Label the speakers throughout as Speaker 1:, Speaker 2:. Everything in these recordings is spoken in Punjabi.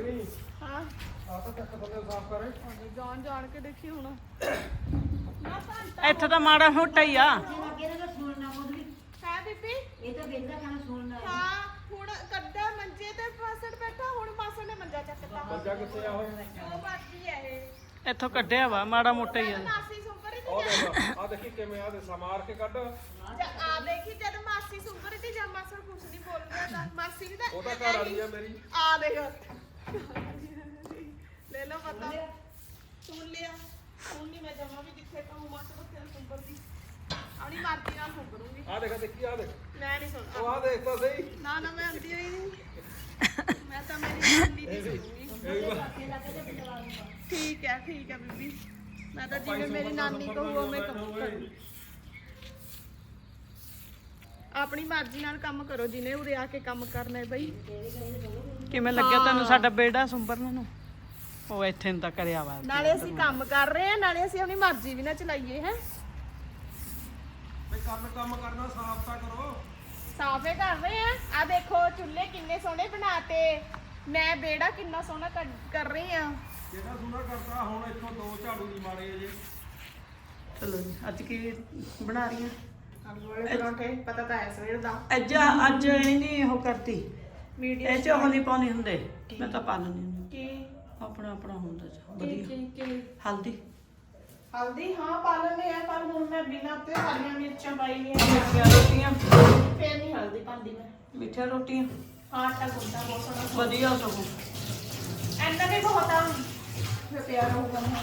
Speaker 1: हाँ जान जान के देखी हुण
Speaker 2: ਇੱਥੇ ਤਾਂ ਮਾੜਾ ਮੋਟਾ ਹੀ ਆ
Speaker 1: है बीबी हाँ हुण कड्डा मंजे ते मासड़ बैठा हुण मासड़ ने मंजा चकता
Speaker 3: ਮੰਜਾ ਕਿੱਥੇ ਆ ਉਹ
Speaker 1: ओ बाकी है ये
Speaker 2: ਇੱਥੋਂ ਕੱਢਿਆ ਵਾ ਮਾੜਾ ਮੋਟਾ ਹੀ ਆ
Speaker 1: मासी सुंबर ही
Speaker 3: ਉਹ ਦੇਖ ਆ ਦੇਖੀ ਕਿਵੇਂ ਆ ਦੇ ਸਮਾਰ ਕੇ ਕੱਢ
Speaker 1: आ देखी जब मासी सुंबर थी जब मासड़ कुछ नहीं बोल रहा था मासी भी
Speaker 3: ਉਹ ਤਾਂ ਘਰ ਵਾਲੀ ਆ ਮੇਰੀ
Speaker 1: आ देखो ले लो पता सुन लिया सुन नहीं मैं जमा भी दिखे तो मासड़ को सुंबर दी अपनी मर्जी नाल सुंबरूंगी
Speaker 3: ਆ देख देखी आ देख
Speaker 1: मैं नहीं सुन
Speaker 3: ਉਹ ਆ देख ਤਾਂ सही
Speaker 1: ना ना मैं आंदी हुई नहीं मैं तो मेरी नानी दी सुनूंगी ठीक है बीबी मैं तो जिਵੇਂ मेरी नानी को वो मैं करूँ ਆਪਣੀ ਮਰਜ਼ੀ ਨਾਲ ਕੰਮ ਕਰੋ ਜਿਨੇ ਉਰੇ ਆ ਕੇ ਕੰਮ ਕਰਨਾ ਹੈ ਬਈ
Speaker 2: ਕਿਵੇਂ ਲੱਗਿਆ ਤੁਹਾਨੂੰ ਸਾਡਾ ਬੇੜਾ ਸੁੰਬਰਨ ਨੂੰ ਉਹ ਇੱਥੇ ਨੂੰ ਤਾਂ ਕਰਿਆ ਵਾ
Speaker 1: ਨਾਲੇ ਅਸੀਂ ਕੰਮ ਕਰ ਰਹੇ ਹਾਂ ਨਾਲੇ ਅਸੀਂ ਆਪਣੀ ਮਰਜ਼ੀ ਵੀ ਨਾ ਚਲਾਈਏ ਹੈ
Speaker 3: ਬਈ ਕੰਮ ਕਰਨਾ ਸਾਫ਼ ਤਾਂ ਕਰੋ
Speaker 1: ਸਾਫੇ ਕਰ ਰਹੇ ਆ ਆ ਦੇਖੋ ਚੁੱਲ੍ਹੇ ਕਿੰਨੇ ਸੋਹਣੇ ਬਣਾਤੇ ਮੈਂ ਬੇੜਾ ਕਿੰਨਾ ਸੋਹਣਾ ਕਰ ਰਹੀ ਆ
Speaker 3: ਜਿਹੜਾ ਸੁਣਾ ਕਰਦਾ ਹੁਣ ਇੱਥੋਂ ਦੋ ਝਾੜੂ ਨਹੀਂ ਮਾਰੇ ਜੇ
Speaker 2: ਚਲੋ ਜੀ ਅੱਜ ਕੀ ਬਣਾ ਰਹੀ ਆ
Speaker 1: ਆਲੂ ਵਾਲੇ ਪਰੌਂਠੇ ਪਤਾ ਤਾਂ ਹੈ ਸਵੇਰ ਦਾ
Speaker 2: ਅੱਜ ਇਹਨੇ ਉਹ ਕਰਤੀ
Speaker 1: ਮੀਡੀਅਮ
Speaker 2: ਇਹ ਚ ਉਹ ਨਹੀਂ ਪਾਉਣੀ ਹੁੰਦੇ ਮੈਂ ਤਾਂ ਪਾ ਲੈਂਦੀ ਹੁੰਦੀ
Speaker 1: ਕੀ
Speaker 2: ਆਪਣਾ ਆਪਣਾ ਹੁੰਦਾ ਚ
Speaker 1: ਕੀ
Speaker 2: ਵਧੀਆ ਹਲਦੀ
Speaker 1: ਹਲਦੀ ਹਾਂ ਪਾ ਲੈਂਦੇ ਆ ਪਰ ਹੁਣ ਮੈਂ ਬਿਨਾਂ ਤੇ ਹਰੀਆਂ ਮਿਰਚਾਂ ਪਾਈ ਨਹੀਂ
Speaker 2: ਮਿੱਠੀਆਂ ਰੋਟੀਆਂ
Speaker 1: ਫੇਰ ਨਹੀਂ ਹਲਦੀ ਪਾਉਂਦੀ ਮੈਂ
Speaker 2: ਮਿੱਠੀਆਂ ਰੋਟੀਆਂ
Speaker 1: ਹਾਂ ਆਟਾ ਗੁੰਦਾ ਬਹੁਤ ਸੋਹਣਾ
Speaker 2: ਵਧੀਆ ਸਗੋਂ
Speaker 1: ਐਨਾ ਵੀ ਬਹੁਤ ਆ ਮੈਂ ਪਿਆਰ ਹੋਊਗਾ ਨਾ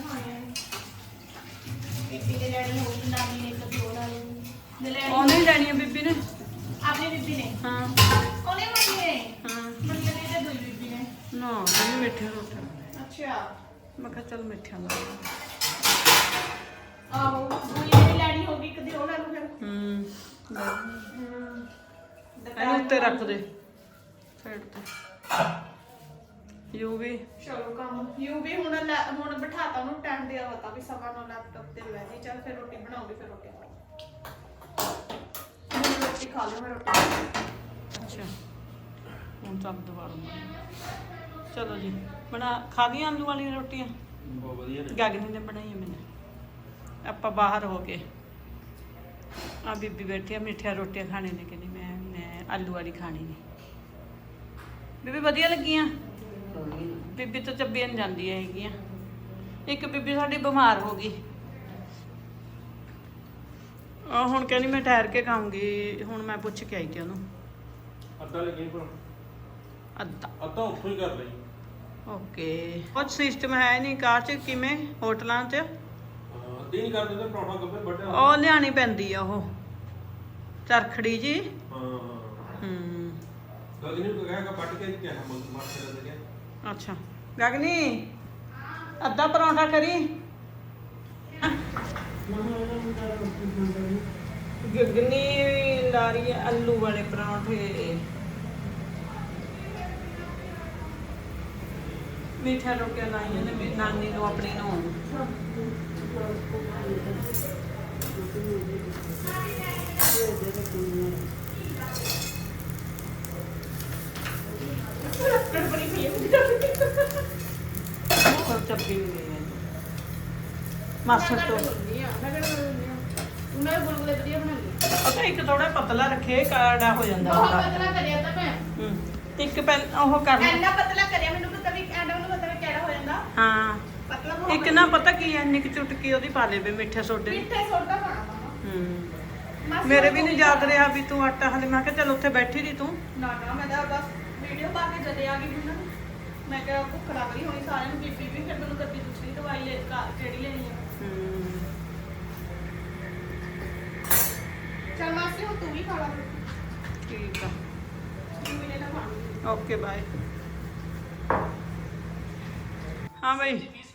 Speaker 1: ਬੀਬੀ ਦੇ ਲੈਣੀ ਹੋਊਗੀ ਨਾਨੀ ਨੇ ਕਦੀ ਉਹ ਲਾ ਲੈਣੀ
Speaker 2: ਉਹਨੇ ਹੀ ਲੈਣੀ ਆ ਬੀਬੀ ਨੇ
Speaker 1: ਆਪਣੀ ਬੀਬੀ ਨੇ
Speaker 2: ਹਾਂ
Speaker 1: ਉਹਨੇ ਮੰਮੀ ਨੇ
Speaker 2: ਹਾਂ
Speaker 1: ਮੰਮੀ ਨੇ ਤੇ ਦੂਜੀ ਬੀਬੀ ਨੇ
Speaker 2: ਨਾ ਕਹਿੰਦੀ ਮਿੱਠੀਆਂ ਰੋਟੀਆਂ
Speaker 1: ਅੱਛਾ
Speaker 2: ਮੈਂ ਕਿਹਾ ਚੱਲ ਮਿੱਠੀਆਂ ਲਾ ਲਾ।
Speaker 1: ਆਹੋ ਦੂਜੀ ਨੇ ਲੈਣੀ ਹੋਊਗੀ ਕਦੀ ਉਹ ਲੈ ਲੂ ਫਿਰ
Speaker 2: ਇਹਨੂੰ ਉੱਤੇ ਰੱਖ ਦੇ ਸਾਈਡ ਤੇ ਯੂ ਵੀ
Speaker 1: ਚਲੋ ਕੰਮ ਯੂ ਵੀ ਹੁਣ ਬਿਠਾਤਾ ਉਹਨੂੰ ਟਾਈਮ ਦੇ ਆਵਤਾ ਵੀ ਸਵਾ ਨੂੰ ਲੈਪਟਾਪ ਤੇ ਲੈ ਜੀ ਚੱਲ ਫਿਰ ਰੋਟੀ ਬਣਾਉਗੀ ਫਿਰ ਰੋਟੀ ਰੋਟੀ ਖਾ ਲਓ ਮੈਂ ਰੋਟੀ
Speaker 2: ਅੱਛਾ ਹੁਣ ਚੱਲ ਦੁਬਾਰਾ ਚਲੋ ਜੀ ਬਣਾ ਖਾ ਲਈਆਂ ਆਲੂ ਵਾਲੀਆਂ ਰੋਟੀਆਂ
Speaker 3: ਬਹੁਤ ਵਧੀਆ ਨੇ
Speaker 2: ਗਗਨੀ ਨੇ ਬਣਾਈਆਂ ਮੈਨੇ ਆਪਾਂ ਬਾਹਰ ਹੋ ਕੇ ਆ ਬੀਬੀ ਬੈਠੀ ਆ ਮਿੱਠੀਆਂ ਰੋਟੀਆਂ ਖਾਣੇ ਨੇ ਕਹਿੰਦੀ ਮੈਂ ਆਲੂ ਵਾਲੀ ਖਾਣੀ ਨੇ ਬੀਬੀ ਵਧੀਆ ਲੱਗੀਆਂ ਬੀਬੀ ਤਾਂ ਚੱਬੀਆਂ ਨਹੀਂ ਜਾਂਦੀਆਂ ਹੈਗੀਆਂ ਇੱਕ ਬੀਬੀ ਸਾਡੀ ਬਿਮਾਰ ਹੋ ਗਈ ਹੁਣ ਕਹਿੰਦੀ ਮੈਂ ਠਹਿਰ ਕੇ ਖਾਊਂਗੀ ਹੁਣ ਮੈਂ ਪੁੱਛ ਕੇ ਆਈ ਕਿ ਉਹਨੂੰ
Speaker 3: ਅੱਧਾ ਲੱਗੀ ਪਰ
Speaker 2: ਅੱਧਾ
Speaker 3: ਉੱਥੋਂ ਹੀ ਕਰ ਲਈ
Speaker 2: ਓਕੇ ਕੁਝ ਸਿਸਟਮ ਹੈ ਨਹੀਂ ਕਾਰ ਚ ਕਿਵੇਂ ਹੋਟਲਾਂ 'ਚ
Speaker 3: ਅੱਧੀ ਨਹੀਂ ਕਰ ਦਿੰਦੇ ਪਰੌਂਠਾ ਗੱਬੇ ਵੱਡੇ
Speaker 2: ਉਹ ਲਿਆਣੀ ਪੈਂਦੀ ਆ ਉਹ ਚਰਖੜੀ ਜੀ
Speaker 3: ਹਾਂ ਗਗਨੀ ਨੂੰ ਕਹਾਂਗਾ ਵੱਟ ਕੇ ਕਿਹਾ ਮਾਰ ਕੇ ਲੱਗਿਆ
Speaker 2: ਅੱਛਾ ਗਗਨੀ ਅੱਧਾ ਪਰੌਂਠਾ ਕਰੀ ਗਗਨੀ ਲਾ ਰਹੀ ਹੈ ਆਲੂ ਵਾਲੇ ਪਰੌਂਠੇ ਮਿੱਠਾ ਰੋਟੀਆਂ ਲਾਈਆਂ ਨੇ ਮੇਰੀ ਨਾਨੀ ਨੂੰ ਆਪਣੀ ਨੂੰ ਹੋਰ ਚੱਪੀ ਨਹੀਂ ਗਈ ਮਾਸਟਰ ਤੋਂ
Speaker 1: ਮੈਂ ਗੁਲਗੁਲੇ ਵਧੀਆ ਬਣਾਉਂਦੀ
Speaker 2: ਪਤਾ ਇੱਕ ਥੋੜਾ ਪਤਲਾ ਰੱਖੇ ਕਾੜਾ ਹੋ ਜਾਂਦਾ
Speaker 1: ਬਹੁਤ
Speaker 2: ਹੁੰਦਾ
Speaker 1: ਪਤਲਾ ਕਰਿਆ ਤਾਂ ਮੈਂ
Speaker 2: ਇੱਕ ਪੈਨ ਉਹ ਕਰਨਾ
Speaker 1: ਐਨਾ ਪਤਲਾ ਕਰਿਆ ਮੈਨੂੰ ਪਤਾ ਵੀ ਐਡਾ ਨੂੰ ਪਤਾ ਵੀ ਕਿਹੜਾ ਹੋ ਜਾਂਦਾ
Speaker 2: ਹਾਂ
Speaker 1: ਪਤਲਾ ਬਹੁਤ
Speaker 2: ਇੱਕ ਨਾ ਪਤਾ ਕੀ ਹੈ ਨਿੱਕ ਚੁਟਕੀ ਉਹਦੀ ਪਾ ਲੇਵੇ ਮਿੱਠੇ ਸੋਡੇ
Speaker 1: ਮਿੱਠੇ ਸੋਡਾ ਪਾਣਾ
Speaker 2: ਮੇਰੇ ਵੀ ਨਹੀਂ ਯਾਦ ਰਿਹਾ ਵੀ ਤੂੰ ਆਟਾ ਹਲੇ ਮੈਂ ਕਿਹਾ ਚੱਲ ਉੱਥੇ ਬੈਠੀ ਰਹੀ ਤੂੰ
Speaker 1: ਨਾ ਮੈਂ ਤਾਂ ਬਸ ਵੀਡੀਓ ਪਾ ਕੇ ਜਦੇ ਆ ਗਈ ਹੁਣ ਮੈਂ ਕਿਹਾ ਭੁੱਖ ਲੱਗ ਰਹੀ ਹੋਣੀ ਸਾਰਿਆਂ ਨੂੰ ਬੀਬੀ ਵੀ ਫਿਰ ਮੈਨੂੰ ਗੱਡੀ ਦੂਸਰੀ ਦਵਾਈ ਲੈ ਕਿਹੜੀ ਲੈਣੀ ਹੈ ਚੱਲ ਮਾਸੀ ਹੁਣ ਤੂੰ ਵੀ ਖਾ ਲਾ
Speaker 2: ਠੀਕ ਆ
Speaker 1: ਤੂੰ ਵੀ ਲੈ ਲਾ ਖਾਣੀ
Speaker 2: ਓਕੇ ਬਾਏ हाँ भाई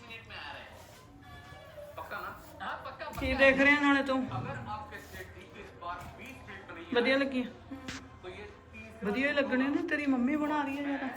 Speaker 2: ਕੀ ਦੇਖ ਰਿਹਾ ਨਾਲੇ ਤੂੰ ਵਧੀਆ ਲੱਗੀ ਵਧੀਆ ਹੀ ਲੱਗਣੇ ਨੇ ਤੇਰੀ ਮੰਮੀ ਬਣਾ ਰਹੀ ਹੈ ਯਾਰ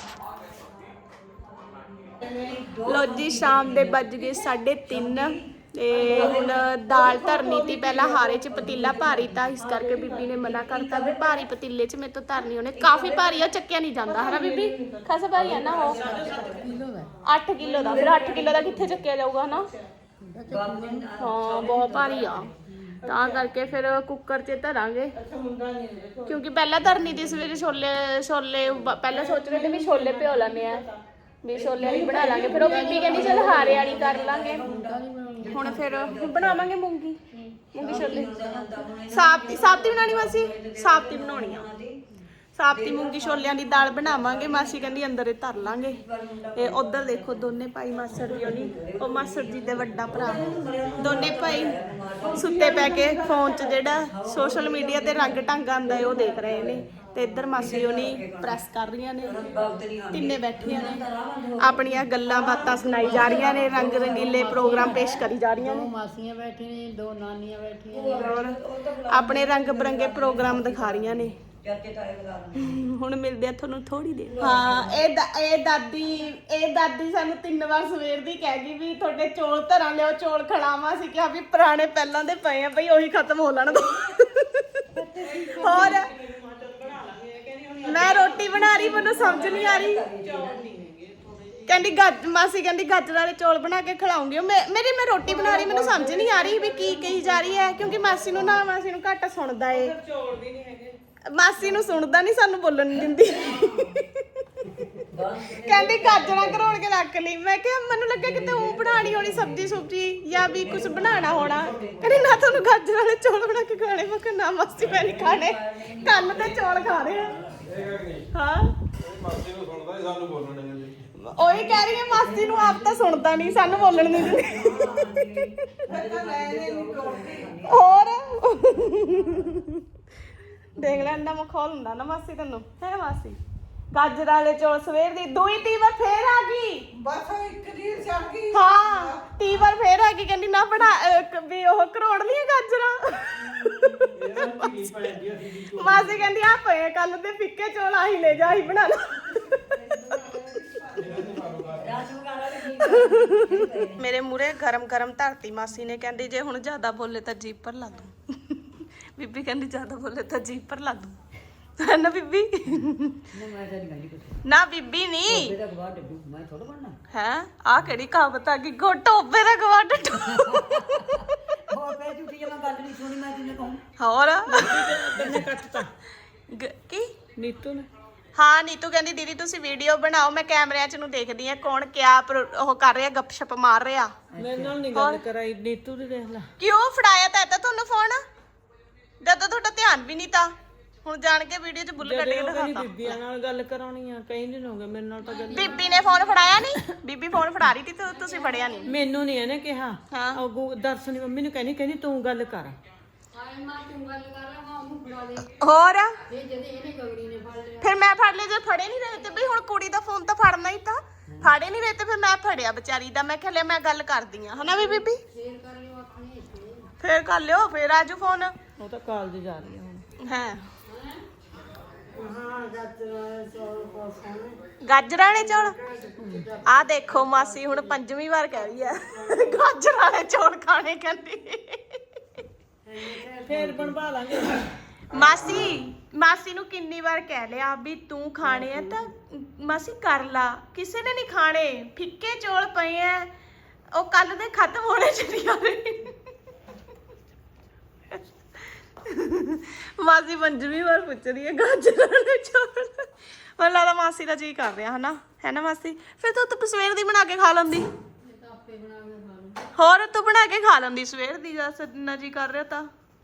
Speaker 1: ਲੋ ਜੀ ਸ਼ਾਮ ਦੇ ਵੱਜ ਗਏ 3:30 ਤੇ ਹੁਣ ਦਾਲ ਧਰਨੀ ਤੀ ਪਹਿਲਾਂ ਹਾਰੇ 'ਚ ਪਤੀਲਾ ਭਾਰੀ ਤਾਂ ਇਸ ਕਰਕੇ ਬੀਬੀ ਨੇ ਮਨਾ ਕਰਤਾ ਵੀ ਭਾਰੀ ਪਤੀਲੇ 'ਚ ਮੇਰੇ ਤੋਂ ਧਰਨੀ ਉਹਨੇ ਕਾਫੀ ਭਾਰੀ ਆ ਚੱਕਿਆ ਨਹੀਂ ਜਾਂਦਾ ਹਨਾ ਬੀਬੀ ਖਾਸਾ ਭਾਰੀ ਆ ਨਾ ਉਹ 8 ਕਿਲੋ ਦਾ ਫਿਰ 8 ਕਿਲੋ ਦਾ ਕਿੱਥੇ ਚੱਕਿਆ ਜਾਊਗਾ ਹਨਾ ਹਾਂ ਬਹੁਤ ਭਾਰੀ ਆ ਤਾਂ ਕਰਕੇ ਫਿਰ ਕੁੱਕਰ 'ਚ ਧਰਾਂਗੇ ਕਿਉਂਕਿ ਪਹਿਲਾਂ ਧਰਨੀ ਤੀ ਸਵੇਰੇ ਛੋਲੇ ਪਹਿਲਾਂ ਸੋਚ ਰਹੇ ਤੇ ਵੀ ਛੋਲੇ ਭਿਓ ਲੈਣੇ ਆ ਵੀ ਛੋਲੇ ਵਾਲੀ ਬਣਾ ਲਾਂਗੇ ਫਿਰ ਉਹ ਬੀਬੀ ਕਹਿੰਦੀ ਚਲ ਹਾਰੇ ਵਾਲੀ ਕਰ ਲਾਂਗੇ ਹੁਣ ਫਿਰ ਬਣਾਵਾਂਗੇ ਮੂੰਗੀ ਛੋਲੇ ਸਾਬਤੀ ਬਣਾਣੀ ਮਾਸੀ ਸਾਬਤੀ ਬਣਾਉਣੀ ਆ ਸਾਬਤੀ ਮੂੰਗੀ ਛੋਲਿਆਂ ਦੀ ਦਾਲ ਬਣਾਵਾਂਗੇ ਮਾਸੀ ਕਹਿੰਦੀ ਅੰਦਰ ਹੀ ਧਰ ਲਾਂਗੇ ਤੇ ਉਧਰ ਦੇਖੋ ਦੋਨੇ ਭਾਈ ਮਾਸੜ ਜੀ ਹੋਣੀ ਉਹ ਮਾਸੜ ਜੀ ਦੇ ਵੱਡਾ ਭਰਾ ਦੋਨੇ ਭਾਈ ਸੁੱਤੇ ਪੈ ਕੇ ਫੋਨ 'ਚ ਜਿਹੜਾ ਸੋਸ਼ਲ ਮੀਡੀਆ ਤੇ ਰੰਗ ਢੰਗ ਆਂਦਾ ਹੈ ਉਹ ਦੇਖ ਰਹੇ ਨੇ ਤੇ ਇੱਧਰ ਮਾਸੀ ਹੋਣੀ ਪ੍ਰੈਸ ਕਰ ਰਹੀਆਂ ਨੇ ਤਿੰਨੇ ਬੈਠੀਆਂ ਨੇ ਆਪਣੀਆਂ ਗੱਲਾਂ ਬਾਤਾਂ ਸੁਣਾਈ ਜਾ ਰਹੀਆਂ ਨੇ ਰੰਗ ਰੰਗੀਲੇ ਪ੍ਰੋਗਰਾਮ ਪੇਸ਼ ਕਰੀ ਜਾ ਰਹੀਆਂ ਨੇ
Speaker 2: ਮਾਸੀਆਂ ਬੈਠੀਆਂ ਨੇ 2 ਨਾਨੀਆਂ ਬੈਠੀਆਂ ਨੇ
Speaker 1: ਔਰ ਆਪਣੇ ਰੰਗ ਬਰੰਗੇ ਪ੍ਰੋਗਰਾਮ ਦਿਖਾ ਰਹੀਆਂ ਨੇ ਹੁਣ ਮਿਲਦੇ ਆ ਤੁਹਾਨੂੰ ਥੋੜੀ ਦੇਰ ਹਾਂ ਇਹ ਦਾਦੀ ਸਾਨੂੰ 3 ਵਾਰ ਸਵੇਰ ਦੀ ਕਹਿ ਗਈ ਵੀ ਤੁਹਾਡੇ ਚੌਲ ਧਰਾਂ ਲਿਓ ਚੌਲ ਖੜਾਵਾਂ ਸੀ ਕਿਹਾ ਵੀ ਪੁਰਾਣੇ ਪਹਿਲਾਂ ਦੇ ਪਏ ਆ ਬਈ ਉਹੀ ਖਤਮ ਹੋ ਲੈਣ ਦੋ ਹੋਰ ਮੈਂ ਰੋਟੀ ਬਣਾ ਰਹੀ ਮੈਨੂੰ ਸਮਝ ਨਹੀਂ ਆ ਰਹੀ ਕਹਿੰਦੀ ਮਾਸੀ ਕਹਿੰਦੀ ਗਾਜਰ ਵਾਲੇ ਚੌਲ ਬਣਾ ਕੇ ਖਿਲਾਉਂਗੀ ਮੈਂ ਰੋਟੀ ਬਣਾ ਰਹੀ ਮੈਨੂੰ ਸਮਝ ਨਹੀਂ ਆ ਰਹੀ ਵੀ ਕੀ ਕਹੀ ਜਾ ਰਹੀ ਹੈ ਕਿਉਂਕਿ ਮਾਸੀ ਨੂੰ ਘੱਟ ਸੁਣਦਾ ਏ ਚੌਲ ਵੀ ਨਹੀਂ ਹੈਗੇ ਮਾਸੀ ਨੂੰ ਸੁਣਦਾ ਨਹੀਂ ਸਾਨੂੰ ਬੋਲਣ ਨਹੀਂ ਦਿੰਦੀ ਕਹਿੰਦੀ ਗਾਜਰਾਂ ਘਰੋੜ ਕੇ ਰੱਖ ਲਈ ਮੈਂ ਕਿਹਾ ਮੈਨੂੰ ਲੱਗਿਆ ਕਿਤੇ ਉਹ ਬਣਾਣੀ ਹੋਣੀ ਸਬਜ਼ੀ ਜਾਂ ਵੀ ਕੁਝ ਬਣਾਉਣਾ ਹੋਣਾ ਕਹਿੰਦੀ ਨਾ ਤੁਹਾਨੂੰ ਗਾਜਰਾਂ ਵਾਲੇ ਚੌਲ ਬਣਾ ਕੇ ਖਾਣੇ ਮੈਂ ਕਿਹਾ ਨਾ ਮਾਸੀ ਮੈਂ ਨਹੀਂ ਖਾਣੇ ਕੰਨ ਤੇ ਚੌਲ ਖਾ ਰਹੇ ਆ ਹਾਂ
Speaker 3: ਮਾਸੀ ਨੂੰ ਸੁਣਦਾ ਸਾਨੂੰ ਬੋਲਣ ਨਹੀਂ ਦਿੰਦੀ
Speaker 1: ਉਹੀ ਕਹਿ ਰਹੀ ਹੈ ਮਾਸੀ ਨੂੰ ਆਪ ਤਾਂ ਸੁਣਦਾ ਨਹੀਂ ਸਾਨੂੰ ਬੋਲਣ ਨਹੀਂ ਦਿੰਦੀ ਹੋਰ ਦੇਖ ਲੈ ਇੰਨਾ ਮਖੌਲ ਹੁੰਦਾ ਨਾ ਮਾਸੀ ਤੈਨੂੰ ਹੈ ਮਾਸੀ ਗਾਜਰ ਵਾਲੇ ਚੌਲ ਸਵੇਰ ਦੀ ਦੂਈ ਤੀਵਰ ਫੇਰ ਆ ਗਈ
Speaker 2: ਬਸ ਇੱਕ ਦੀ ਚੜ ਗਈ
Speaker 1: ਹਾਂ ਤੀਵਰ ਫੇਰ ਆ ਗਈ ਕਹਿੰਦੀ ਨਾ ਬਣਾ ਵੀ ਉਹ ਕਰੋੜ ਲੀਆਂ ਗਾਜਰਾਂ ਮਾਸੀ ਕਹਿੰਦੀ ਆ ਪਏ ਕੱਲ ਦੇ ਫਿੱਕੇ ਚੌਲ ਆਹੀ ਲੈ ਜਾ ਆਹੀ ਬਣਾ ਲਾ ਮੇਰੇ ਮੂਰੇ ਗਰਮ ਧਰਤੀ ਮਾਸੀ ਨੇ ਕਹਿੰਦੀ ਜੇ ਹੁਣ ਜ਼ਿਆਦਾ ਬੋਲੇ ਤਾਂ ਜੀਭ ਪਰ ਲਾ ਦੂੰ ਬੀਬੀ ਕਹਿੰਦੀ ਜ਼ਿਆਦਾ ਬੋਲੇ ਤਾਂ ਜੀਭ ਪਰ ਲਾ ਦੂੰ ਨਾ ਬੀਬੀ ਨਾ ਬੀਬੀ ਨਹੀਂ ਹੈ ਆ ਕਿਹੜੀ ਕਹਾਵਤ ਆ ਗਈ ਟੋਬੇ ਦਾ ਗਵਾ ਡੱਡੂ ਹੋਰ ਕੀ
Speaker 2: ਨੀਤੂ ਨੇ
Speaker 1: ਹਾਂ ਨੀਤੂ ਕਹਿੰਦੀ ਦੀਦੀ ਤੁਸੀਂ ਵੀਡੀਓ ਬਣਾਓ ਮੈਂ ਕੈਮਰਿਆਂ 'ਚ ਨੂੰ ਦੇਖਦੀ ਆ ਕੌਣ ਕਿਆ ਉਹ ਕਰ ਰਿਹਾ ਗੱਪਸ਼ਪ ਮਾਰ ਰਿਹਾ
Speaker 2: ਮੇਰੇ ਨਾਲ ਨਹੀਂ ਗੱਲ ਕਰਾਈ ਨੀਤੂ ਦੀ ਦੇਖ ਲੈ
Speaker 1: ਕਿਉਂ ਫੜਾਇਆ ਤਾਂ ਤੁਹਾਨੂੰ ਫੋਨ ਜਦੋਂ ਤੁਹਾਡਾ ਧਿਆਨ ਵੀ ਨਹੀਂ ਤਾਂ ਹੁਣ ਜਾਣ ਕੇ ਵੀਡੀਓ 'ਚ ਬੁੱਲ ਕੱਢ ਕੇ ਦਿਖਾਤਾ
Speaker 2: ਬੀਬੀਆਂ ਨਾਲ ਗੱਲ ਕਰਾਉਣੀ ਆ ਕਈ ਦਿਨ ਹੋ ਗਏ ਮੇਰੇ ਨਾਲ ਤਾਂ ਗੱਲ
Speaker 1: ਬੀਬੀ ਨੇ ਫੋਨ ਫੜਾਇਆ ਨਹੀਂ ਬੀਬੀ ਫੋਨ ਫੜਾ ਰਹੀ ਸੀ ਤੇ ਤੁਸੀਂ ਫੜਿਆ ਨਹੀਂ
Speaker 2: ਮੈਨੂੰ ਨਹੀਂ ਇਹਨੇ ਕਿਹਾ
Speaker 1: ਹਾਂ
Speaker 2: ਉਹ ਦਰਸ਼ਨ ਮੰਮੀ ਨੂੰ ਕਹਿੰਦੀ ਤੂੰ ਗੱਲ ਕਰ
Speaker 1: ਹੋਰ ਫਿਰ ਮੈਂ ਫੜ ਲਿਆ ਜੇ ਫੜੇ ਨਹੀਂ ਰਹੇ ਤੇ ਬਈ ਹੁਣ ਕੁੜੀ ਦਾ ਫੋਨ ਤਾਂ ਫੜਨਾ ਹੀ ਤਾਂ ਫੜੇ ਨਹੀਂ ਰਹੇ ਤੇ ਫਿਰ ਮੈਂ ਫੜਿਆ ਵਿਚਾਰੀ ਦਾ ਮੈਂ ਕਿਹਾ ਲੈ ਮੈਂ ਗੱਲ ਕਰਦੀ ਆ ਹਨਾ ਵੀ ਬੀਬੀ ਫੇਰ ਕਰ ਲਿਓ ਫੇਰ ਆਜੂ ਫੋਨ
Speaker 2: ਉਹ ਤਾਂ ਕਾਲਜ ਜਾ ਰਹੀ ਆ ਹੁਣ
Speaker 1: ਹੈ ਗਾਜਰਾਂ ਵਾਲੇ ਚੌਲ ਆ ਦੇਖੋ ਮਾਸੀ ਹੁਣ 5ਵੀਂ ਵਾਰ ਕਹਿ ਰਹੀ ਹੈ ਗਾਜਰਾਂ ਵਾਲੇ ਚੌਲ ਖਾਣੇ ਕਹਿੰਦੀ
Speaker 2: ਫੇਰ ਬਣਵਾ ਲਾਂਗੇ
Speaker 1: ਮਾਸੀ ਨੂੰ ਕਿੰਨੀ ਵਾਰ ਕਹਿ ਲਿਆ ਵੀ ਤੂੰ ਖਾਣੇ ਆ ਤਾਂ ਮਾਸੀ ਕਰ ਲਾ ਕਿਸੇ ਨੇ ਨਹੀਂ ਖਾਣੇ ਫਿੱਕੇ ਚੌਲ ਪਏ ਆ ਉਹ ਕੱਲ ਦੇ ਖਤਮ ਹੋਣੇ ਚਲੀ ਆ ਰਹੀ ਮਾਸੀ 5ਵੀਂ ਵਾਰ ਪੁੱਛ ਰਹੀ ਹੈ ਗਾਜਰਾਂ ਵਾਲੇ ਚੌਲ ਮੈਨੂੰ ਲੱਗਦਾ ਮਾਸੀ ਦਾ ਜੀ ਕਰ ਰਿਹਾ ਹਨਾ ਹੈ ਨਾ ਮਾਸੀ ਫਿਰ ਤੂੰ ਸਵੇਰ ਦੀ ਬਣਾ ਕੇ ਖਾ ਲੈਂਦੀ ਹੋਰ ਤੂੰ ਬਣਾ ਕੇ ਖਾ ਲੈਂਦੀ ਸਵੇਰ ਦੀ ਨਾ ਜੀ ਕਰ ਰਿਹਾ ਤਾਂ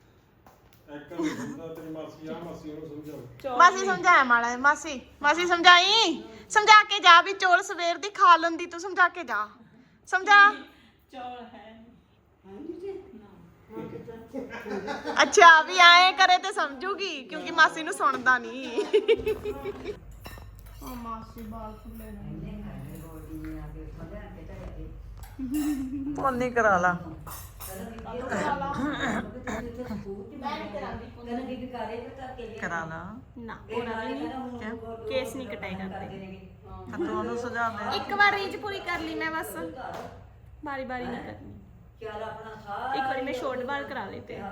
Speaker 1: ਮਾਸੀ ਸਮਝਾਇਆ ਮਾੜਾ ਮਾਸੀ ਸਮਝਾ ਕੇ ਜਾ ਵੀ ਚੌਲ ਸਵੇਰ ਦੀ ਖਾ ਲੈਂਦੀ ਤੂੰ ਸਮਝਾ ਕੇ ਜਾ ਸਮਝਾ ਚੌਲ ਹੈ ਅੱਛਾ ਵੀ ਆਏ ਕਰੇ ਤੇ ਸਮਝੂਗੀ ਕਿਉਂਕਿ ਮਾਸੀ ਨੂੰ ਸੁਣਦਾ ਨਹੀਂ ਉਹ ਮਾਸੀ ਬਾਲ ਖੁੱਲੇ ਨੇ
Speaker 2: ਪੋਨੀ ਕਰਾ ਲਾ ਕਰਾ ਲਾ
Speaker 1: ਨਾ ਉਹਨਾਂ ਨੇ ਨਹੀਂ ਕੇਸ ਨਹੀਂ ਕਟਾਈ ਕਰਦੇ
Speaker 2: ਤੂੰ ਉਹਨੂੰ ਸੁਝਾ ਦੇ
Speaker 1: ਇੱਕ ਵਾਰ ਰੀਜ ਪੂਰੀ ਕਰ ਲਈ ਮੈਂ ਬਸ ਬਾਰੀ ਨਹੀਂ ਕਰਨੀ ਇੱਕ ਵਾਰੀ ਮੈਂ ਸ਼ੋਰਟ ਵਾਲ ਕਰਾ ਲਏ ਤੇ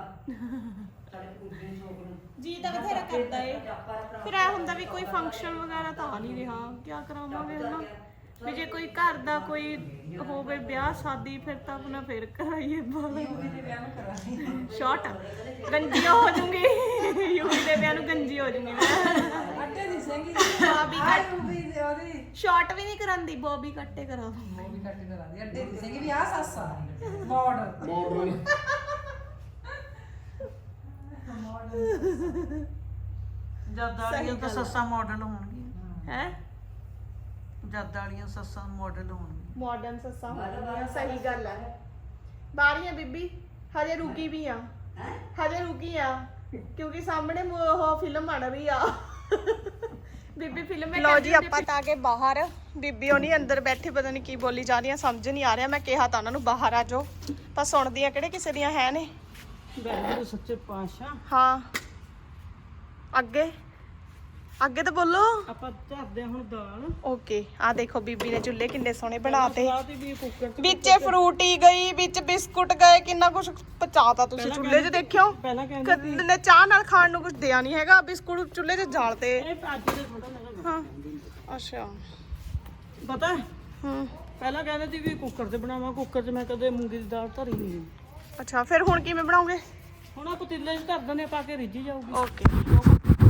Speaker 1: ਜੀ ਤਾਂ ਬਥੇਰਾ ਕਰਦਾ ਏ ਫਿਰ ਇਹ ਹੁੰਦਾ ਵੀ ਕੋਈ ਫੰਕਸ਼ਨ ਵਗੈਰਾ ਤਾਂ ਆ ਨਹੀਂ ਰਿਹਾ ਕੀ ਕਰਾਵਾਂਗੇ ਹਨਾ ਵੀ ਜੇ ਕੋਈ ਘਰ ਦਾ ਕੋਈ ਹੋਵੇ ਵਿਆਹ ਸ਼ਾਦੀ ਫਿਰ ਤਾਂ ਆਪਣਾ ਫਿਰ ਕਰਾਈਏ ਬਾਲ ਸ਼ਾਰਟ ਗੰਜੀ ਹੋ ਜੂੰਗੀ ਯੂਵੀ ਦੇ ਵਿਆਹ ਨੂੰ ਗੰਜੀ ਹੋ ਜੂੰਗੀ ਮੈਂ
Speaker 4: ਅੱਡੇ ਦੀ ਸਿੰਘੀ
Speaker 1: ਬੋਬੀ ਕੱਟ
Speaker 4: ਉਹਦੀ
Speaker 1: ਸ਼ਾਰਟ ਵੀ ਨਹੀਂ ਕਰਾਂਦੀ ਬੋਬੀ ਕੱਟੇ ਕਰਾ
Speaker 4: ਉਹ ਵੀ ਕੱਟ ਕਰਾ ਦੀ ਅੱਡੇ ਦੀ ਸਿੰਘੀ ਵੀ ਆ ਸੱਸਾ ਮਾਡਲ
Speaker 2: ਜਦ ਵਾਲੀਆਂ ਤਾਂ ਸੱਸਾਂ ਮਾਡਲ ਹੋਣਗੀਆਂ
Speaker 1: ਹੈ
Speaker 2: ਜਦ ਵਾਲੀਆਂ ਸੱਸਾਂ ਮਾਡਲ ਹੋਣਗੀਆਂ
Speaker 1: ਮਾਡਰਨ ਸੱਸਾਂ ਹੋਣਗੀਆਂ ਸਹੀ ਗੱਲ ਹੈ ਬਾਰੀਆਂ ਬੀਬੀ ਹਜੇ ਰੁਕੀ ਵੀ ਆ ਹਜੇ ਰੁਕੀ ਆ ਕਿਉਂਕਿ ਸਾਹਮਣੇ ਉਹ ਫਿਲਮ ਬਣ ਰਹੀ ਆ ਬੀਬੀ ਫਿਲਮ ਹੈ ਲੋ ਜੀ ਆਪਾਂ ਤਾਂ ਕੇ ਬਾਹਰ ਬੀਬੀ ਉਹ ਨਹੀਂ ਅੰਦਰ ਬੈਠੇ ਪਤਾ ਨਹੀਂ ਕੀ ਬੋਲੀ ਜਾ ਰਹੀਆਂ ਸਮਝ ਨਹੀਂ ਆ ਰਿਹਾ ਮੈਂ ਕਿਹਾ ਤਾਂ ਉਹਨਾਂ ਨੂੰ ਬਾਹਰ ਆ ਜਾਓ ਪਰ ਸੁਣਦੀਆਂ ਕਿਹੜੇ ਕਿਸੇ ਦੀਆਂ ਹੈ ਨੇ
Speaker 2: ਵਾਹਿਗੁਰੂ ਸੱਚੇ ਪਾਤਸ਼ਾਹ
Speaker 1: ਹਾਂ ਅੱਗੇ ਅੱਗੇ ਤਾਂ ਬੋਲੋ
Speaker 2: ਆਪਾਂ ਧਰਦੇ ਹੁਣ ਦਾਲ
Speaker 1: ਓਕੇ ਆ ਦੇਖੋ ਬੀਬੀ ਨੇ ਚੁੱਲ੍ਹੇ ਕਿੰਨੇ ਸੋਹਣੇ ਬਣਾਤੇ
Speaker 2: ਸਵਾਦ ਵੀ ਕੁੱਕਰ ਚ
Speaker 1: ਵਿੱਚ ਫਰੂਟੀ ਗਈ ਵਿੱਚ ਬਿਸਕੁਟ ਗਏ ਕਿੰਨਾ ਕੁਝ ਪਚਾਤਾ ਤੁਸੀਂ ਚੁੱਲ੍ਹੇ 'ਚ ਦੇਖਿਓ
Speaker 2: ਪਹਿਲਾਂ ਕਹਿੰਦੇ
Speaker 1: ਕਦੇ ਨੇ ਚਾਹ ਨਾਲ ਖਾਣ ਨੂੰ ਕੁਝ ਦਿਆ ਨਹੀਂ ਹੈਗਾ ਬਿਸਕੁਟ ਚੁੱਲ੍ਹੇ 'ਚ ਜਾਲਤੇ
Speaker 2: ਇਹ ਅੱਜ ਦੇ ਥੋੜਾ ਲੱਗਾ
Speaker 1: ਹਾਂ ਅੱਛਾ
Speaker 2: ਪਤਾ
Speaker 1: ਹੂੰ
Speaker 2: ਪਹਿਲਾਂ ਕਹਿੰਦੇ ਸੀ ਵੀ ਕੁੱਕਰ 'ਚ ਬਣਾਵਾਂ ਕੁੱਕਰ 'ਚ ਮੈਂ ਕਦੇ ਮੂੰਗੀ ਦੀ ਦਾਲ ਧਰੀ ਨਹੀਂ
Speaker 1: ਅੱਛਾ ਫਿਰ ਹੁਣ ਕਿਵੇਂ ਬਣਾਓਗੇ
Speaker 2: ਹੁਣ ਆ ਪਤੀਲੇ 'ਚ ਧਰ ਦਨੇ ਪਾ ਕੇ ਰਿੱਝੀ ਜਾਊਗੀ
Speaker 1: ਓਕੇ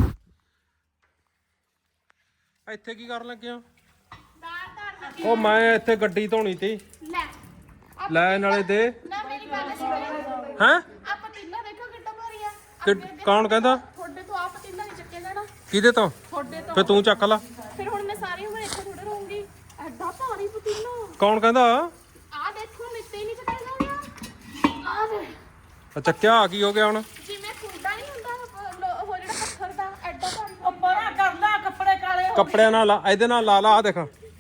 Speaker 3: ਇੱਥੇ ਕੀ ਕਰਨ ਲੱਗਿਆ
Speaker 1: ਦਾਲ ਧਰ
Speaker 3: ਉਹ ਮੈਂ ਇੱਥੇ ਗੱਡੀ ਧੋਣੀ ਤੀ
Speaker 1: ਲੈ
Speaker 3: ਲੈ ਨਾਲੇ ਦੇ
Speaker 1: ਨਾ ਮੇਰੀ ਗੱਲ ਸੁਣੋ
Speaker 3: ਹੈਂ
Speaker 1: ਆ ਪਤੀਲਾ ਦੇਖੋ ਕਿੱਡਾ ਭਾਰੀ ਆ
Speaker 3: ਕੌਣ ਕਹਿੰਦਾ
Speaker 1: ਤੁਹਾਡੇ ਤੋਂ ਆ ਪਤੀਲਾ ਨਹੀਂ ਚੱਕਿਆ ਜਾਣਾ
Speaker 3: ਕਿਹਦੇ ਤੋਂ
Speaker 1: ਤੁਹਾਡੇ ਤੋਂ
Speaker 3: ਫੇ ਤੂੰ ਚੱਕ ਲਾ
Speaker 1: ਫਿਰ ਹੁਣ ਮੈਂ ਸਾਰੀ ਉਮਰ ਇੱਥੇ ਥੋੜੇ ਰਹੂੰਗੀ ਐਡਾ ਭਾਰੀ ਪਤੀਲਾ
Speaker 3: ਕੌਣ ਕਹਿੰਦਾ
Speaker 1: ਆ ਦੇਖੋ ਮਿੱਤੇ ਹੀ ਨਹੀਂ ਚੱਕਿਆ ਗਿਆ ਆ ਦੇ
Speaker 3: ਚੱਕਿਆ ਆ ਕੀ ਹੋ ਗਿਆ ਹੁਣ
Speaker 1: ਜਿਵੇਂ ਕੁੰਡਾ ਨਹੀਂ ਹੁੰਦਾ ਉਹ ਜਿਹੜਾ ਪੱਥਰ ਦਾ ਐਡਾ ਭਾਰੀ
Speaker 2: ਉਹ ਬੜਾ ਕਰ ਲੈ ਕੱਪੜੇ ਕਾਲੇ ਹੋ
Speaker 3: ਕੱਪੜਿਆਂ ਨਾਲ ਲਾ ਇਹਦੇ ਨਾਲ ਲਾ ਲਾ ਆ ਦੇਖ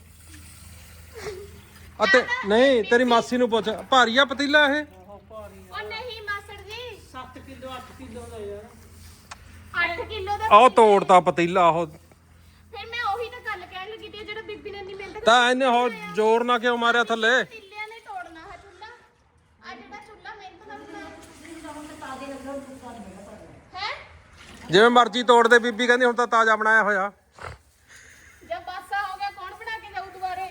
Speaker 3: ਅਤੇ ਨਹੀਂ ਤੇਰੀ ਮਾਸੀ ਨੂੰ ਪੁੱਛ ਭਾਰੀ ਆ ਪਤੀਲਾ ਇਹ
Speaker 1: ਉਹ ਨਹੀਂ ਮਾਸੜ ਜੀ
Speaker 2: 7 ਕਿਲੋ 8 ਕਿਲੋ ਦਾ ਯਾਰ
Speaker 1: 8 ਕਿਲੋ ਦਾ
Speaker 3: ਆਹ ਤੋੜਤਾ ਪਤੀਲਾ ਉਹ
Speaker 1: ਫਿਰ ਮੈਂ ਉਹੀ ਤਾਂ ਗੱਲ ਕਹਿਣ ਲੱਗੀ ਤੇ ਜਿਹੜਾ ਬੀਬੀ ਨੇ ਇੰਨੀ ਮਿਹਨਤ
Speaker 3: ਤਾਂ ਇਹਨੇ ਹੋਰ ਜ਼ੋਰ ਨਾ ਕਿਉਂ ਮਾਰਿਆ ਥੱਲੇ
Speaker 1: ਪਤੀਲਿਆਂ ਨੇ ਤੋੜਨਾ ਹੈ ਚੁੱਲਾ ਆ ਜਿਹੜਾ ਚੁੱਲਾ ਮਿਹਨਤ ਨਾਲ ਬਣਾਇਆ ਹੈ
Speaker 3: ਜਿਵੇਂ ਮਰਜ਼ੀ ਤੋੜ ਦੇ ਬੀਬੀ ਕਹਿੰਦੀ ਹੁਣ ਤਾਂ ਤਾਜ਼ਾ ਬਣਾਇਆ ਹੋਇਆ
Speaker 1: ਜਦ ਬਾਸਾ ਹੋ ਗਿਆ ਕੌਣ ਬਣਾ ਕੇ ਜਾਊ ਦੁਬਾਰੇ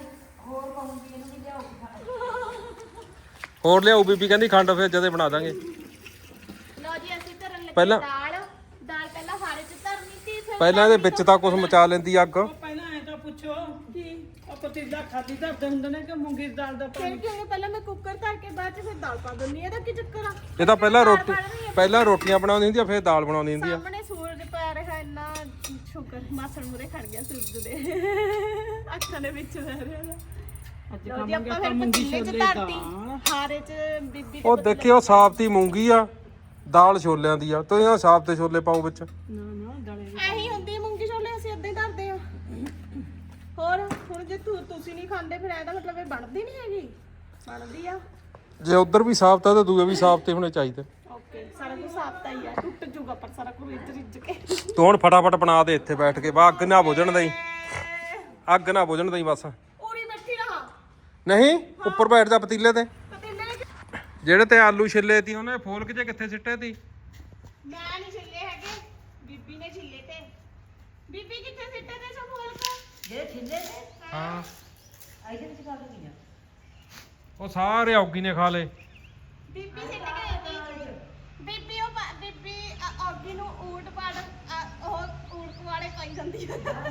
Speaker 3: ਹੋਰ ਲਿਆਓ ਬੀਬੀ ਕਹਿੰਦੀ ਖੰਡ ਫਿਰ ਜਦੇ ਬਣਾ ਦਾਂਗੇ
Speaker 1: ਲਓ ਜੀ ਅਸੀਂ ਧਰਨ ਲੱਗੇ
Speaker 3: ਪਹਿਲਾਂ-
Speaker 1: ਦਾਲ ਪਹਿਲਾਂ ਹਾਰੇ ਚ ਧਰਨੀ ਸੀ ਫਿਰ
Speaker 3: ਪਹਿਲਾਂ ਇਹਦੇ ਵਿੱਚ ਤਾਂ ਕੁਝ ਮਚਾ ਲੈਂਦੀ ਅੱਗ
Speaker 2: ਉਹ ਪਹਿਲਾਂ ਐ ਤਾਂ ਪੁੱਛੋ ਕੀ ਉਹ ਪਤੀਲਾ ਖਾਦੀ ਧਰਦੇ ਹੁੰਦੇ ਨੇ ਕਿ ਮੂੰਗੀ ਦੀ ਦਾਲ ਦਾ
Speaker 1: ਫਿਰ ਕਿਉਂਕਿ ਪਹਿਲਾਂ ਮੈਂ ਕੁੱਕਰ ਧਰ ਕੇ ਬਾਅਦ ਚ ਫਿਰ ਦਾਲ ਪਾ ਦਿੰਦੀ ਆ ਇਹਦਾ ਕੀ ਚੱਕਰ ਆ
Speaker 3: ਇਹ ਤਾਂ ਪਹਿਲਾਂ ਰੋਟੀਆਂ ਬਣਾਉਂਦੀ ਹੁੰਦੀ ਆ ਫਿਰ ਦਾਲ ਬਣਾਉਂਦੀ ਹੁੰਦੀ ਆ
Speaker 1: ਸਾਹਮਣੇ ਸੂਰਜ ਪੈ ਰਿਹਾ ਇੰਨਾ ਸ਼ੁਕਰ ਮਾਸੜ ਮੂਰੇ ਖੜ ਗਿਆ ਸੂਰਜ ਦੇ ਅੱਖਾਂ ਦੇ ਵਿੱਚ ਰਹਿ ਰਿਹਾ
Speaker 2: ਅੱਜ
Speaker 1: ਲਓ ਜੀ
Speaker 2: ਖਾਵਾਂਗੇ
Speaker 1: ਆਪਾਂ
Speaker 2: ਆਪਾਂ
Speaker 1: ਫਿਰ
Speaker 2: ਮੂੰਗੀ
Speaker 1: ਪਤੀਲੇ ਚ
Speaker 2: ਛੋਲੇ
Speaker 1: ਧਰਤੀ
Speaker 2: ਦਾਲ
Speaker 1: ਹਾਰੇ ਚ ਬੀਬੀ
Speaker 3: ਉਹ ਦੇਖਿਓ ਸਾਬਤੀ ਮੂੰਗੀ ਆ ਦਾਲ ਛੋਲਿਆਂ ਦੀ ਆ ਤੁਸੀਂ ਆ ਸਾਬਤੇ ਛੋਲੇ ਪਾਓ ਵਿੱਚ
Speaker 2: ਨਾ ਨਾ ਦਾਲੇ
Speaker 1: ਐਹੀ ਹੁੰਦੀ ਆ ਮੂੰਗੀ ਛੋਲੇ ਅਸੀਂ ਏਦਾਂ ਹੀ ਧਰਦੇ ਆ ਹੋਰ ਹੁਣ ਜੇ ਤੁਸੀਂ ਨਹੀਂ ਖਾਂਦੇ ਫਿਰ ਇਹਦਾ ਮਤਲਬ ਇਹ ਬਣਦੀ ਨਹੀਂ ਹੈਗੀ ਬਣਦੀ ਆ
Speaker 3: ਜੇ ਉਧਰ ਵੀ ਸਾਬਤ ਆ ਤਾਂ ਦੂਏ ਵੀ ਸਾਬਤੇ ਹੋਣੇ ਚਾਹੀਦੇ
Speaker 1: ਓਕੇ ਸਾਰਾ ਕੁਝ ਸਾਫਤਾ ਹੀ ਆ ਟੁੱਟ ਜੂਗਾ ਪਰ ਸਾਰਾ ਕੁਝ ਰਿੱਝ ਕੇ
Speaker 3: ਤੂੰ ਹੁਣ ਫਟਾਫਟ ਬਣਾ ਦੇ ਇੱਥੇ ਬੈਠ ਕੇ ਬਾ ਅੱਗ ਨਾ ਬੁਝਣ ਦਈ ਅੱਗ ਨਾ ਬੁਝਣ ਦਈ ਬਸ
Speaker 1: ਪੂਰੀ ਬੈਠੀ ਰਹਾ
Speaker 3: ਨਹੀਂ ਉੱਪਰ ਬੈਠ ਜਾ ਪਤੀਲੇ ਤੇ
Speaker 1: ਪਤੀਲੇ ਵਿੱਚ
Speaker 3: ਜਿਹੜੇ ਤੇ ਆਲੂ ਛਿੱਲੇ ਤੀ ਉਹਨੇ ਫੋਲਕ ਜੇ ਕਿੱਥੇ ਸਿੱਟੇ ਤੀ
Speaker 1: ਮੈਂ ਨਹੀਂ ਛਿੱਲੇ ਹੈਗੇ ਬੀਬੀ ਨੇ ਛਿੱਲੇ ਤੇ ਬੀਬੀ ਕਿੱਥੇ ਸਿੱਟੇ ਤੇ ਸਭ ਫੋਲਕ
Speaker 4: ਜੇ ਠਿੱਲੇ ਤੇ
Speaker 3: ਹਾਂ
Speaker 4: ਇਹਦੇ ਵਿੱਚ ਕਰ ਦਿੰਦੀ ਆ
Speaker 3: ਉਹ ਸਾਰੇ ਔਗੀ ਨੇ ਖਾ ਲਏ
Speaker 1: ਬੀਬੀ ਸਿੱਟ ਗਈ ਤੀ ਬੀਬੀ ਉਹ ਬੀਬੀ ਔਗੀ ਨੂੰ ਊਟ ਪਾੜ ਉਹ ਊਟ ਵਾਲੇ ਪਾਈ ਜਾਂਦੀ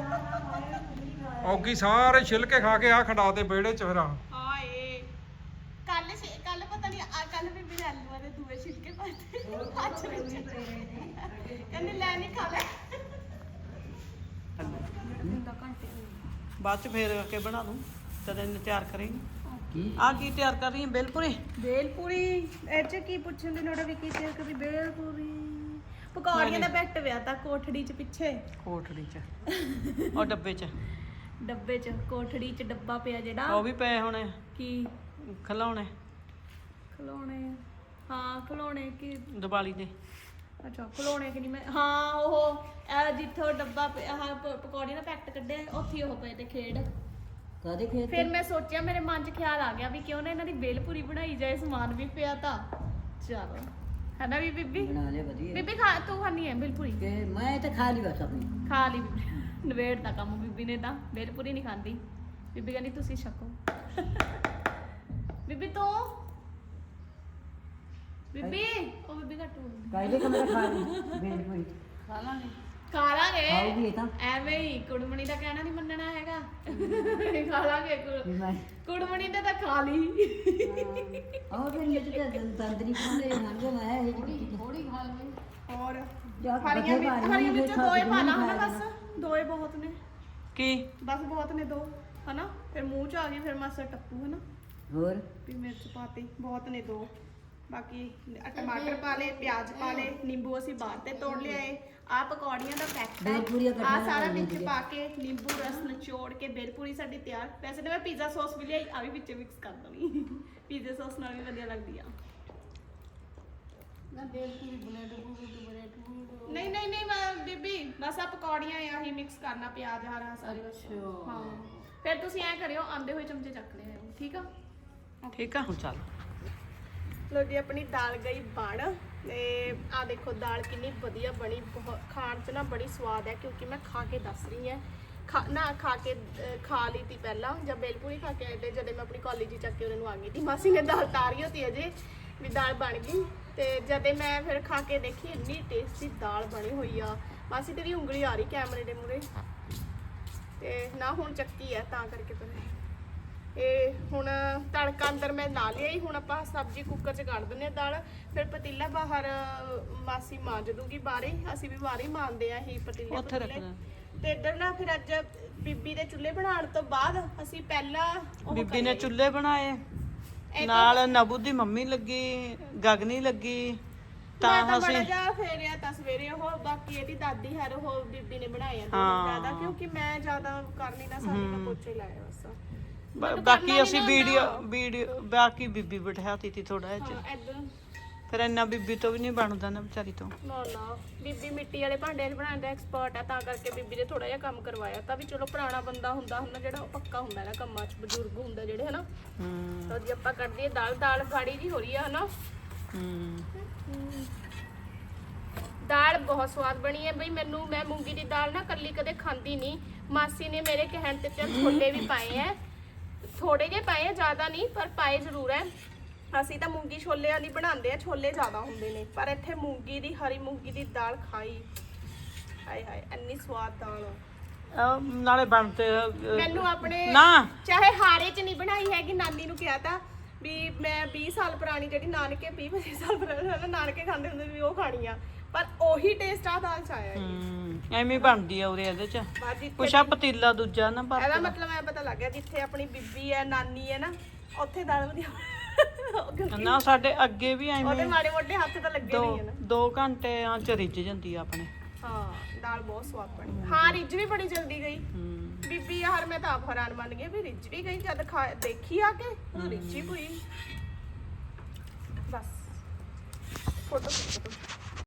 Speaker 1: ਆ
Speaker 3: ਔਗੀ ਸਾਰੇ ਛਿਲਕੇ ਖਾ ਕੇ ਆ ਖੰਡਾ ਦੇ ਵਿਹੜੇ ਚ ਫਿਰ ਆ
Speaker 1: ਹਾਏ ਕੱਲ ਪਤਾ ਨਹੀਂ ਕੱਲ ਬੀਬੀ ਨੇ ਆਲੂਆਂ ਦੇ ਦੂਏ ਛਿਲਕੇ ਪਾਤੇ ਅੱਜ ਵਿੱਚ ਕਹਿੰਦੀ ਲੈ ਨਹੀਂ ਖਾ ਲੈ
Speaker 2: ਬਾਅਦ ਚ ਫੇਰ ਕੇ ਬਣਾ ਦੂੰ ਤਦ ਇਹਨੂੰ ਤਿਆਰ ਕਰੇਂਗੇ ਆ ਕੀ ਤਿਆਰ ਕਰ ਰਹੀ ਹੈ ਬੇਲਪੂਰੀ
Speaker 1: ਬੇਲਪੂਰੀ ਇਹ ਚ ਕੀ ਪੁੱਛਣ ਦੀ ਲੋੜ ਵੀ ਕੀ ਤੇ ਕਦੀ ਬੇਲਪੂਰੀ ਪਕੌੜੀਆਂ ਦਾ ਬੈਟ ਪਿਆ ਤਾਂ ਕੋਠੜੀ ਚ ਪਿੱਛੇ
Speaker 2: ਕੋਠੜੀ ਚ ਉਹ ਡੱਬੇ ਚ
Speaker 1: ਡੱਬੇ ਚ ਕੋਠੜੀ ਚ ਡੱਬਾ ਪਿਆ ਜਿਹੜਾ
Speaker 2: ਉਹ ਵੀ ਪਏ ਹੋਣੇ
Speaker 1: ਕੀ
Speaker 2: ਖਿਲਾਉਣੇ
Speaker 1: ਖਲੋਣੇ ਹਾਂ ਖਲੋਣੇ ਕੀ
Speaker 2: ਦੀਵਾਲੀ ਦੇ
Speaker 1: ਅੱਛਾ ਖਲੋਣੇ ਕਿ ਨਹੀਂ ਮੈਂ ਹਾਂ ਉਹ ਜਿੱਥੋਂ ਡੱਬਾ ਪਿਆ ਆਹ ਪਕੌੜੀ ਦਾ ਪੈਕਟ ਕੱਢਿਆ ਉੱਥੇ ਉਹ ਪਏ ਤੇ ਖੇਡ
Speaker 5: ਕਾਦੇ ਖੇਤ
Speaker 1: ਫਿਰ ਮੈਂ ਸੋਚਿਆ ਮੇਰੇ ਮਨ 'ਚ ਖਿਆਲ ਆ ਗਿਆ ਵੀ ਕਿਉਂ ਨਾ ਇਹਨਾਂ ਦੀ ਬੇਲਪੂਰੀ ਬਣਾਈ ਜਾਏ, ਸਮਾਨ ਵੀ ਪਿਆ ਤਾਂ ਚਲੋ ਹੈ ਨਾ ਵੀ ਬੀਬੀ।
Speaker 5: ਬਣਾ ਲਿਆ ਵਧੀਆ
Speaker 1: ਬੀਬੀ ਖਾ ਤੂੰ ਖਾਣੀ ਹੈ ਬੇਲਪੂਰੀ?
Speaker 5: ਕਿ ਮੈਂ ਤਾਂ ਖਾ ਲਈ ਬਸ ਆਪਣੀ
Speaker 1: ਖਾ ਲਈ ਬੀਬੀ, ਨਵੇੜਤਾ ਕੰਮ ਬੀਬੀ ਨੇ ਤਾਂ, ਬੇਲਪੂਰੀ ਨਹੀਂ ਖਾਂਦੀ ਬੀਬੀ, ਕਹਿੰਦੀ ਤੁਸੀਂ ਛਕੋ। ਬੀਬੀ ਤੂੰ ਬੀਬੀ ਉਹ ਬੀਬੀ ਘੱਟ ਬੋਲਦੀ।
Speaker 5: ਕਾਇਦੇ ਕਮਰਾ ਖਾ ਲਈ ਬੇਲਪੂਰੀ
Speaker 2: ਖਾ ਲਾਂਗੇ।
Speaker 1: ਖਾ ਲਾਂਗੇ
Speaker 5: ਖਾਊਗੀ ਇਹ ਤਾਂ
Speaker 1: ਐਵੇਂ ਹੀ, ਕੁੜਮਣੀ ਦਾ ਕਹਿਣਾ ਨਹੀਂ ਮੰਨਣਾ ਹੈਗਾ। ਖਾ ਲਾਂਗੇ
Speaker 5: ਵੀ ਮੈਂ
Speaker 1: ਕੁੜਮਣੀ ਨੇ ਤਾਂ ਖਾ ਲਈ।
Speaker 5: ਆਹ ਫਿਰ ਇਹ ਤਾਂ ਤੰਦਰੀ ਖਾਂਦੇ ਹਾਂ ਮੈਂ ਇਹ ਜਿਹੜੀ
Speaker 2: ਥੋੜੀ ਖਾ ਲਵੇ।
Speaker 1: ਹੋਰ
Speaker 5: ਜਾਂ
Speaker 1: ਹਰੀਆਂ
Speaker 5: ਬੱਚੇ ਖਾ
Speaker 1: ਹਰੀਆਂ
Speaker 5: ਲੈਣਗੇ,
Speaker 1: ਵਿੱਚ
Speaker 5: ਖਾ
Speaker 1: ਦੋਏ
Speaker 5: ਕੇ
Speaker 1: ਪਾ ਲਾ
Speaker 5: ਨਹੀਂ
Speaker 1: ਹਨਾ,
Speaker 5: ਖਾਇਆ
Speaker 1: ਬਸ ਦੋਏ ਬਹੁਤ ਨੇ,
Speaker 2: ਕੀ
Speaker 1: ਬਸ ਬਹੁਤ ਨੇ ਦੋ ਹਨਾ। ਫਿਰ ਮੂੰਹ ਚ ਆ ਗਈ ਫਿਰ ਮਾਸਾ ਟੱਪੂ ਹਨਾ,
Speaker 5: ਹੋਰ
Speaker 1: ਵੀ ਮਿਰਚ ਪਾਤੀ ਬਹੁਤ ਨੇ ਦੋ। ਬਾਕੀ ਟਮਾਟਰ ਪਾ ਲਏ, ਪਿਆਜ਼ ਪਾ ਲਏ, ਨਿੰਬੂ ਅਸੀਂ ਬਾਹਰ ਤੇ ਤੋੜ ਲਿਆਏ। ਆ ਪਕੌੜੀਆਂ ਦਾ
Speaker 5: ਬੇਲਪੂਰੀਆਂ
Speaker 1: ਪੈਕਟ ਆ
Speaker 5: ਕੱਢਣਾ
Speaker 1: ਸਾਰਾ
Speaker 5: ਪੈਂਦੀਆਂ
Speaker 1: ਵਿੱਚ
Speaker 5: ਨੇ।
Speaker 1: ਪਾ ਕੇ ਨਿੰਬੂ ਰਸ ਨਿਚੋੜ ਕੇ ਬੇਲਪੂਰੀ ਸਾਡੀ ਤਿਆਰ। ਵੈਸੇ ਤਾਂ ਮੈਂ ਪੀਜ਼ਾ ਸੌਸ ਵੀ ਲਿਆਈ, ਆ ਵੀ ਵਿੱਚ ਮਿਕਸ ਕਰ ਦਣੀ। ਪੀਜ਼ਾ ਸੌਸ ਨਾਲ ਵੀ ਵਧੀਆ ਲੱਗਦੀ ਆ।
Speaker 2: ਨਾ ਬੇਲਪੂਰੀ ਬਲੇਡ
Speaker 1: ਨਹੀਂ ਨਹੀਂ ਨਹੀਂ ਮੈਂ ਬੀਬੀ ਬਸ ਆ ਪਕੌੜੀਆਂ ਆਹੀ ਮਿਕਸ ਕਰਨਾ, ਪਿਆਜ਼ ਹਰਾ ਸਾਰੇ ਬਸ। ਹਾਂ ਫਿਰ ਤੁਸੀਂ ਐ ਕਰਿਓ, ਆਂਦੇ ਹੋਏ ਚਮਚੇ ਚੱਕ ਲਿਆ ਠੀਕ ਆ।
Speaker 2: ਠੀਕ ਆ ਹੁਣ ਚੱਲ।
Speaker 1: ਲੋ ਜੀ ਆਪਣੀ ਦਾਲ ਗਈ ਬਣ ਤੇ ਆ ਦੇਖੋ ਦਾਲ ਕਿੰਨੀ ਵਧੀਆ ਬਣੀ, ਬਹੁਤ ਖਾਣ 'ਚ ਨਾ ਬੜੀ ਸਵਾਦ ਹੈ ਕਿਉਂਕਿ ਮੈਂ ਖਾ ਕੇ ਦੱਸ ਰਹੀ ਹਾਂ। ਖਾ ਲਈ ਤੀ ਪਹਿਲਾਂ, ਜਦ ਬੇਲਪੂਰੀ ਖਾ ਕੇ ਆਏ ਤੇ ਜਦੋਂ ਮੈਂ ਆਪਣੀ ਕਾਲਜ ਚੱਕ ਕੇ ਉਹਨਾਂ ਨੂੰ ਆ ਗਈ ਤੀ, ਮਾਸੀ ਨੇ ਦਾਲ ਤਾਰੀ ਹੋਤੀ ਅਜੇ ਵੀ ਦਾਲ ਬਣ ਗਈ। ਤੇ ਜਦੋਂ ਮੈਂ ਫਿਰ ਖਾ ਕੇ ਦੇਖੀ ਇੰਨੀ ਟੇਸਟੀ ਦਾਲ ਬਣੀ ਹੋਈ ਆ। ਮਾਸੀ ਤੇਰੀ ਉਂਗਲੀ ਆ ਰਹੀ ਕੈਮਰੇ ਦੇ ਮੂਹਰੇ ਤੇ ਨਾ ਹੁਣ ਚੱਕੀ ਹੈ ਤਾਂ ਕਰਕੇ ਫਿਰ ਇਹ ਹੁਣ ਤੜਕਾ ਅੰਦਰ ਮੈਂ ਲਾ ਲਿਆ ਹੀ। ਹੁਣ ਆਪਾਂ ਸਬਜ਼ੀ ਕੁੱਕਰ 'ਚ ਕੱਢ ਦਿੰਦੇ ਆ ਦਾਲ, ਫਿਰ ਪਤੀਲਾ ਬਾਹਰ ਮਾਸੀ ਮਾਂਜ ਦੂਗੀ ਬਾਹਰੇ, ਅਸੀਂ ਵੀ ਬਾਹਰੇ ਮਾਂਜਦੇ ਆ ਇਹ ਪਤੀਲੇ
Speaker 2: ਉੱਥੇ ਰੱਖ
Speaker 1: ਪਤੀਲੇ। ਤੇ ਇੱਧਰ ਨਾ ਫਿਰ ਅੱਜ ਬੀਬੀ ਦੇ ਚੁੱਲ੍ਹੇ ਬਣਾਉਣ ਤੋਂ ਬਾਅਦ ਅਸੀਂ ਪਹਿਲਾਂ ਉਹ
Speaker 2: ਬੀਬੀ ਨੇ
Speaker 1: ਕਰੀਏ।
Speaker 2: ਚੁੱਲ੍ਹੇ ਬਣਾਏ ਨਾਲ, ਨਬੂ ਦੀ ਮੰਮੀ ਲੱਗੀ, ਗਗਨੀ ਲੱਗੀ, ਤਾਂ
Speaker 1: ਮੈਂ
Speaker 2: ਅਸੀਂ
Speaker 1: ਬੜਾ ਜਾ ਫੇਰਿਆ ਤਾਂ ਸਵੇਰੇ ਉਹ, ਬਾਕੀ ਇਹਦੀ ਦਾਦੀ ਹਰ ਉਹ ਬੀਬੀ ਨੇ ਬਣਾਇਆ ਜ਼ਿਆਦਾ, ਕਿਉਂਕਿ ਮੈਂ ਜ਼ਿਆਦਾ ਕਰ ਨਹੀਂ ਨਾ ਸਕਦੀ, ਮੈਂ ਪੋਚੇ ਲਾਇਆ ਬਸ।
Speaker 2: ਬਾਕੀ ਅਸੀਂ ਵੀਡੀਓ ਬਾਕੀ ਬੀਬੀ ਬਿਠਾਤੀ ਤੀ ਥੋੜਾ ਜਿਹਾ।
Speaker 1: ਹਾਂ ਇੱਧਰ
Speaker 2: ਫਿਰ ਇੰਨਾ ਬੀਬੀ ਤੋਂ ਵੀ ਨਹੀਂ ਬਣਦਾ ਨਾ ਵਿਚਾਰੀ ਤੋਂ।
Speaker 1: ਨਾ ਬੀਬੀ ਮਿੱਟੀ ਵਾਲੇ ਭਾਂਡੇ ਬਣਾਉਣ ਦਾ ਐਕਸਪਰਟ ਹੈ, ਤਾਂ ਕਰਕੇ ਬੀਬੀ ਨੇ ਥੋੜਾ ਜਿਹਾ ਕੰਮ ਕਰਵਾਇਆ ਤਾਂ ਵੀ ਚਲੋ ਪੁਰਾਣਾ ਬੰਦਾ ਹੁੰਦਾ ਜਿਹੜਾ ਉਹ ਪੱਕਾ ਹੁੰਦਾ ਇਹਨਾਂ ਕੰਮਾਂ 'ਚ, ਬਜ਼ੁਰਗ ਹੁੰਦਾ ਜਿਹੜੇ ਹਨਾ। ਤਾਂ ਜੀ ਆਪਾਂ ਕੱਢਦੇ ਦਾਲ ਗਾੜੀ ਜੀ ਹੋ ਰਹੀ ਆ ਹਨਾ। ਦਾਲ ਬਹੁਤ ਸਵਾਦ ਬਣੀ ਹੈ ਬਈ। ਮੈਂ ਮੂੰਗੀ ਦੀ ਦਾਲ ਨਾ ਕੱਲੀ ਕਦੇ ਖਾਂਦੀ ਨਹੀਂ, ਮਾਸੀ ਨੇ ਮੇਰੇ ਕਹਿਣ ਤੇ ਚੱਲ ਛੋਲੇ ਵੀ ਪਾਏ ਐ, ਥੋੜੇ ਜਿਹੇ ਪਾਏ ਆ, ਜ਼ਿਆਦਾ ਨਹੀਂ ਪਰ ਪਾਏ ਜ਼ਰੂਰ ਹੈ। ਅਸੀਂ ਤਾਂ ਮੂੰਗੀ ਛੋਲੇ ਵਾਲੀ ਬਣਾਉਂਦੇ ਆ, ਛੋਲੇ ਜ਼ਿਆਦਾ ਹੁੰਦੇ ਨੇ, ਪਰ ਇੱਥੇ ਮੂੰਗੀ ਦੀ ਹਰੀ ਮੂੰਗੀ ਦੀ ਦਾਲ ਖਾਈ, ਹਾਏ ਹਾਏ ਇੰਨੀ ਸਵਾਦ ਦਾਲ।
Speaker 2: ਨਾਲੇ ਬਣਤੇ
Speaker 1: ਮੈਨੂੰ ਆਪਣੇ
Speaker 2: ਨਾ
Speaker 1: ਚਾਹੇ ਹਾਰੇ 'ਚ ਨਹੀਂ ਬਣਾਈ ਹੈਗੀ, ਨਾਨੀ ਨੂੰ ਕਿਹਾ ਤਾਂ ਵੀ ਮੈਂ 20 ਸਾਲ ਪੁਰਾਣੀ ਜਿਹੜੀ ਨਾਨਕੇ 20-25 ਸਾਲ ਪੁਰਾਣੀ ਨਾਨਕੇ ਖਾਂਦੇ ਹੁੰਦੇ ਵੀ ਉਹ ਖਾਣੀ ਆ, ਪਰ ਉਹੀ ਟੇਸਟ ਆ ਦਾਲ 'ਚ ਆਇਆ
Speaker 2: ਐਵੇਂ ਬਣਦੀ ਆ ਉਰੇ ਇਹਦੇ ਚ। ਕੁਛ ਆ ਪਤੀਲਾ ਦੂਜਾ ਨਾ ਪਰ
Speaker 1: ਇਹਦਾ ਮਤਲਬ ਐ ਪਤਾ ਲੱਗ ਗਿਆ ਜਿੱਥੇ ਆਪਣੀ ਬੀਬੀ ਹੈ ਨਾਨੀ ਹੈ ਨਾ, ਉੱਥੇ ਦਾਲ ਵਧੀਆ।
Speaker 2: ਨਾ ਸਾਡੇ ਅੱਗੇ ਵੀ
Speaker 1: ਉਹਦੇ
Speaker 2: ਐਵੇਂ
Speaker 1: ਮਾੜੇ ਮੋਟੇ ਹੱਥ ਤਾਂ ਲੱਗੇ ਨਹੀਂ ਹੈ ਨਾ।
Speaker 2: 2 ਘੰਟਿਆਂ ਚ ਰਿੱਝ ਜਾਂਦੀ ਆ ਆਪਣੇ।
Speaker 1: ਹਾਂ ਦਾਲ ਬਹੁਤ ਸਵਾਦ ਬਣੀ। ਹਾਂ ਰਿੱਝ ਵੀ ਬੜੀ ਜਲਦੀ ਗਈ ਬੀਬੀ ਯਾਰ, ਮੈਂ ਤਾਂ ਆਪ ਹੈਰਾਨ ਮੰਨ ਗਈ ਵੀ ਰਿੱਝ ਵੀ ਗਈ ਜਦ ਦੇਖੀ ਆ ਕੇ ਉਹ ਰਿੱਝੀ ਪਈ। ਬਸ ਫੋਟੋ